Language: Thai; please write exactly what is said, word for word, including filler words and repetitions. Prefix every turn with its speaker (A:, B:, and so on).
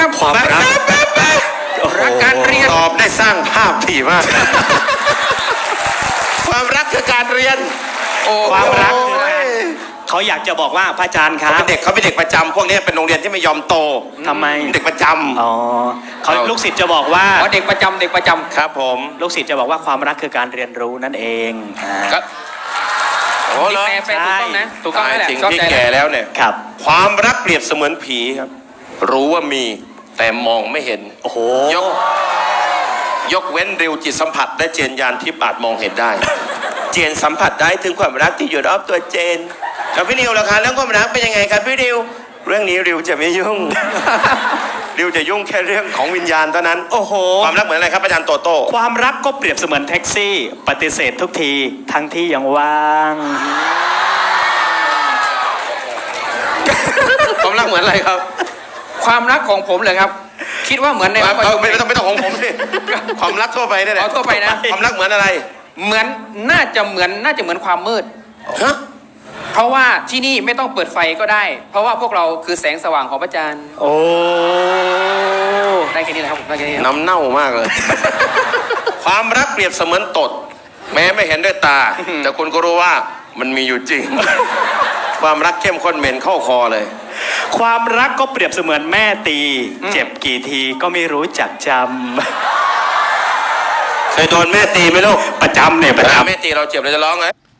A: ครับ
B: ความรัก
A: รักการเรียน
B: ตอบได้สร้างภาพดีมาก ความรักคือการเรียน
A: โอ้
C: ความรัก
B: โอ้ย
C: เขาอยากจะบอกว่าพระอาจารย์ค
B: เขา
C: รับ
B: เป็นเด็กเขาเป็นเด็กประจำพวกนี้เป็นโรงเรียนที่ไม่ยอมโต
C: ทำไม
B: เด็กประจำ
C: อ๋อเขาลูกศิษย์จะบอกว่า
A: อ๋อเด็กประจำเด็กประจำ
B: ครับผม
C: ลูกศิษย์จะบอกว่าความรักคือการเรียนรู้นั่นเองอ่า
A: ครับ
B: โอ้เหรอ
A: แปลแปลถูกต้องนะถูกต้องนั่นแหละ
B: จริง
A: เข้า
B: ที่
A: ใจ
B: แก่
A: แล้ว
B: แล้วเนี่ย
C: ครับ
B: ความรักเปรียบเสมือนผีครับ รู้ว่ามีแต่มองไม่เห็น
C: โอ้โห
B: ยก ยกเว้นริวจิตสัมผัสและเจนยานที่อาจมองเห็นได้ เจนสัมผัสได้ถึงความรักที่อยู่รอบตัวเจนแล้วพี่ริวล่ะคะเรื่องความรักเป็นยังไงครับพี่ริวเรื่องนี้ริวจะไม่ยุ่ง ริวจะยุ่งแค่เรื่องของวิญญาณเท่านั้น
C: โอ้โห
B: ความรักเหมือนอะไรครับอาจารย์โตโต้
C: ความรักก็เปรียบเสมือนแท็กซี่ ปฏิเสธทุกทีทั้งที่ยังว่าง
B: ความรักเหมือนอะไรครับ
A: ความรักของผมเลยครับ คิดว่าเหมือนในวัดประชุม
B: ไม่ต้องไม่ต้องของผมสิความรักทั่วไปนี่แหละ
A: เอาทั่วไปนะ
B: ความรักเหมือนอะไร
A: เหมือนน่าจะเหมือนน่าจะเหมือนความมืด
B: ฮะ
A: เพราะว่าที่นี่ไม่ต้องเปิดไฟก็ได้ เพราะว่าพวกเราคือแสงสว่างของพระจันทร์
C: โอ้
A: ได้แค่นี้นะครับผมได้แค่นี้ครับ
B: น้ำเน่ามากเลย ความรักเปรียบเสมือนตด แม้ไม่เห็นด้วยตา แต่คุณก็รู้ว่ามันมีอยู่จริง ความรักเข้มข้นเหม็นเข้าคอเลย
C: ความรักก็เปรียบเสมือนแม่ตี เจ็บกี่ทีก็ไม่รู้จักจ
B: เคยโดนแม่ตีไหมลูก
C: ำประจำเนี่ย
B: เว
C: ประ
B: ลา
C: จำ
B: แม่ตีเราเจ็บเราจะร้องไง